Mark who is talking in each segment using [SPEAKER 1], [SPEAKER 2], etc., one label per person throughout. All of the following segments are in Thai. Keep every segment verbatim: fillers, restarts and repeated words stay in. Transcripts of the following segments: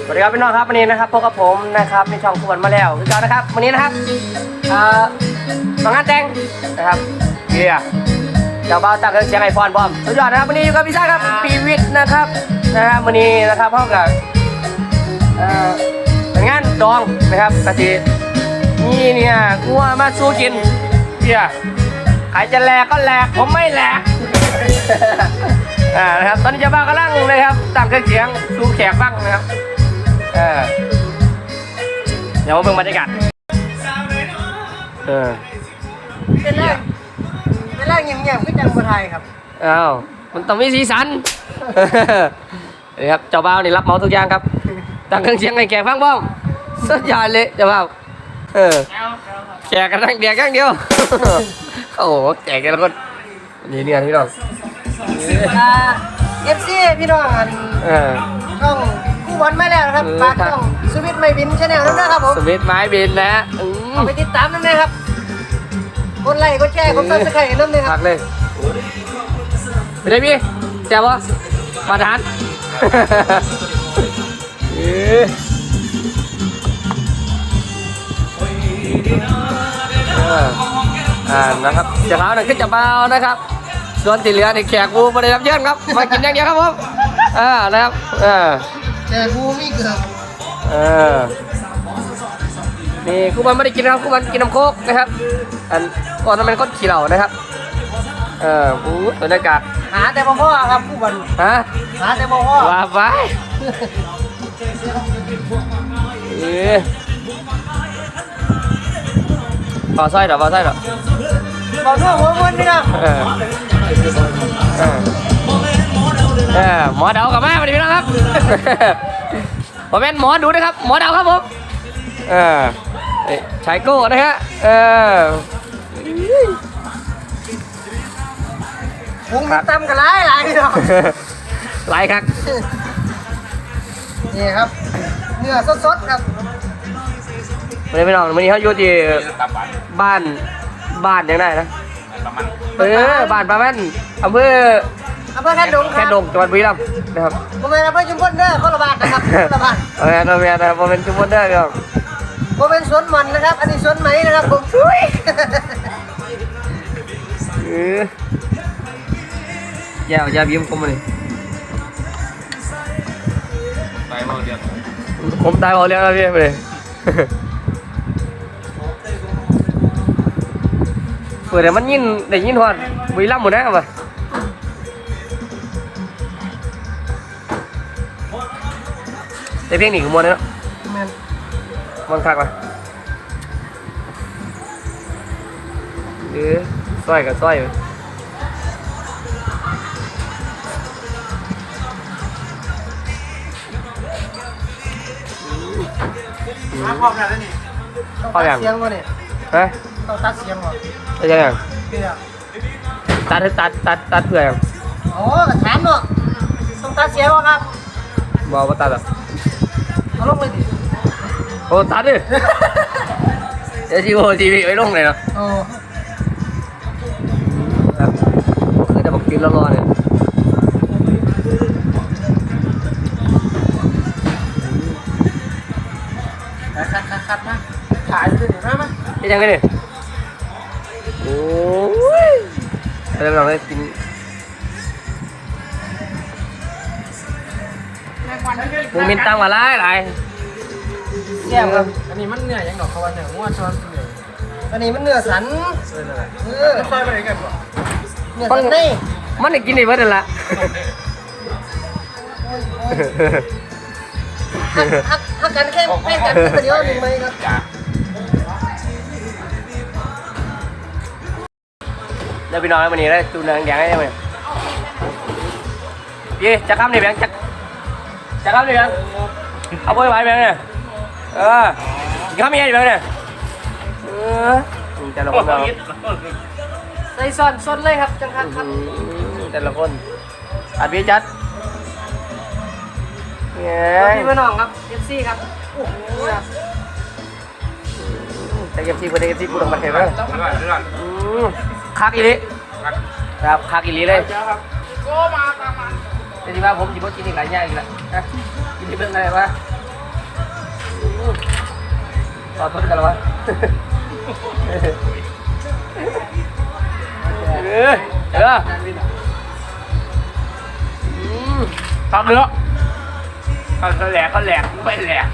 [SPEAKER 1] สวัสดีครับพี่น้องครับวันนี้นะครับพบกับผมนะครับในช่องคุวันมาแล้วคือกันนะครับวันนี้นะครับเอ่อมางานแต่งนะครับเบียร์เจ้าบ่าวตั้งเครื่องเสียงไอโฟนพร้อมสุดยอดนะครับวันนี้อยู่กับพี่ชายครับปีวิทย์นะครับนะฮะวันนี้นะครับพร้อมกับเอ่อเป็นงานดองนะครับกะทินี่เนี่ยงัวมาสู้กินเบียร์ใครจะแหลกก็แหลกผมไม่แหลกอ่านะครับตอนนี้เจ้าบ่าวกำลังนะครับตั้งเครื่องเสียงสู้แขกบ้างนะครับเออเดี๋ยวมาเบิ่งบรรยากาศเออ
[SPEAKER 2] เป็นแรกเป็นแรกเงียบๆก็จังบไทยครับ
[SPEAKER 1] อ้าวมันต้องมีสีสันนี่ครับเจ้าบ่าวนี่รับเหมาทุกอย่างครับตั้งเครื่องเสียงให้แขกฟังบ้างสุดยอดเลยเจ้าบ่าวเออแขกกันนั่งเดียกอย่างเดียวโอ้โหแจกกันแล้วก็นี่เนี่ยพี่น้อง
[SPEAKER 2] เอฟซีพี่น้องอัน
[SPEAKER 1] เออ
[SPEAKER 2] ช่องคู่บอลไม่แล้วนะครับฝากช่องสวิตไม่บินชาแนลด้วยนะครับผม
[SPEAKER 1] สวิตไม้บินนะ
[SPEAKER 2] เอาไปติดตามนั่นเลยครับกดไลค์กดแชร์กดซับสไครต์นั่นเลยครับ
[SPEAKER 1] พักเลยไปได้พี่แจ๋ววะมาทานอ่านะครับจะเท้าหนึ่งขึ้นจะเบานะครับส่วนที่เหลือในแขกกูมาได้รับเชิญครับมากินอย่างเดียวครับผมอ่านะครับอ่า
[SPEAKER 2] แต่กูไม่เกือบ
[SPEAKER 1] เออนี่กูมันไม่ได้กินนะครับกูมันกินน้ำโคกนะครับอันก่อนนั้นมันก็ขี้เหล่านะครับเออกูบรรยากาศ
[SPEAKER 2] หาแต่พ่อครับคู่บอล
[SPEAKER 1] ฮะ
[SPEAKER 2] หาแต่พ่อ
[SPEAKER 1] ว่าไปเออพอใส่หรอพอใส่หรอ
[SPEAKER 2] บอกด้วยหัวมันนี่นะ
[SPEAKER 1] เออเออเออหมอเดากับแม่มาดิพี่น้องครับผมเป็นหมอดูนะครับหมอเดาครับผมเออชายโก้นะฮะเออ
[SPEAKER 2] วงมันตำกันหลายหลายพี่น้อง
[SPEAKER 1] หลายครับ
[SPEAKER 2] นี่ครับเนื้อสดๆครับ
[SPEAKER 1] วันนี้พี่น้องวันนี้เขาอยู่ที่บ้านบ้านยังไงนะเออบ้านประมาณอำเภอ
[SPEAKER 2] อำเภอแค่ดงครับ
[SPEAKER 1] แค่ดงจังหวัดบุรีรัมย์นะครับ
[SPEAKER 2] ผมเป็นอำเภอชุมพลเด้อคนละบ้านนะครับคนละบ้าน
[SPEAKER 1] โอเคโอเคนะผมเป็นชุมพลเด้อครับ
[SPEAKER 2] ผมเป็นสวนมันนะครับอันนี้สวนไหมนะครับผมช่วย
[SPEAKER 1] เออแย่แย่บิ้มคมเลยตายเบาเดียวผมตายเบาเดียวแล้วพี่ไปเลยเปิดแต่มันยินได้ยินหัวบุรีรัมย์หมดนะครับแต่เพลงนี้คือมวนเลยเนาะมวนคักว่ะเออซ้อยกับซ้อยเลย
[SPEAKER 2] มาพร้อมแล้วนี่พร้อมยังเสียงวะเนี่ย
[SPEAKER 1] ฮะ
[SPEAKER 2] ต้องตัดเสียงวะ
[SPEAKER 1] ตัดยังตัดตัดตัดตัดเพื่อยัง
[SPEAKER 2] โอ้กระถามเนาะต้องตัดเสียงวะครับ
[SPEAKER 1] บอกว่าตัดอ่ะ
[SPEAKER 2] เอาลงเลยดิ
[SPEAKER 1] โอ้ตัดดิเดี๋ยวจีโอจีวีไว้ลงเลยเนาะ
[SPEAKER 2] โอ้
[SPEAKER 1] ครับคือจะบอกกินแล้วรอเนี่ย
[SPEAKER 2] คัดคัดคัดมาถ่ายเลยเดี๋ยวนะมั้ย
[SPEAKER 1] ยังไงเนี่ยโอ้ยเราลองได้กินมึงมินตังมาไล่ไล่
[SPEAKER 2] แย่ครับอันนี้มันเนื้อยังดอกเขาว่าเนื้อง้วนช้อนเนื้ออันนี้มันเนื้อสันเออใส่ไปไหนกันบ่เนื้อสันนี่
[SPEAKER 1] มันได้กินได้เบิดนั่นละ
[SPEAKER 2] ฮักฮักฮักกันแค่แค่กันเดียวหนึ่งไหมครับ
[SPEAKER 1] เดี๋ยวพี่น้องวันนี้ได้ตูนแดงให้ไหมยี่จะข้ามในแบงค์จะจะข้ามในแบงค์เอาไปไว้แบงค์เนี่ยเออข้ามยังไงแบงค์เนี่ยเออแต่ละคนเรา
[SPEAKER 2] ใส่ซ้อนซ้อนเลยครับจังครับ
[SPEAKER 1] แต่ละคนอัดพี่จัด
[SPEAKER 2] พี่พี่น้องครับเอฟซีครับโอ้โห
[SPEAKER 1] แต่เอฟซีคนเอฟซีพูดออกมาเห็นไหมคักอีลีครับคักอีลีเลยแต่ที่ว่าผมจิบกินอีกหลายอย่างอีกแล้วกินที่เรื่องอะไรวะขอโทษกันแล้ววะเออเออตักเนื้อเขาแหลกเขาแหลกไม่แหลก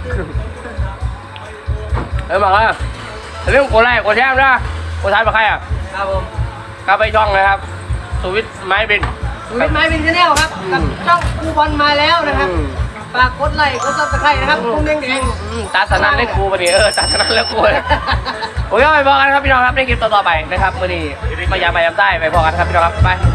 [SPEAKER 1] เออมาแล้วเรื่องโกไล่โกแช่นะโกท้ายมาใครอ่ะ
[SPEAKER 2] ครับผม
[SPEAKER 1] กลับไปช่องเลยครับสวิตไม้บิน
[SPEAKER 2] วิทไม้เป็นชาแนลครับกับช่องครูบอลมาแล้วนะครับฝากกดไลค์กดซับสไครต์นะครับกุ้งแดงแดง
[SPEAKER 1] ตาสนั่นเล่นกูปะเนี่ยเออตาสนั่นเล่นกูเลยโอเคไปบอกกันครับพี่น้องครับในคลิปต่อๆไปนะครับวันนี้มายามายามใต้ไปบอกกันครับพี่น้องครับไป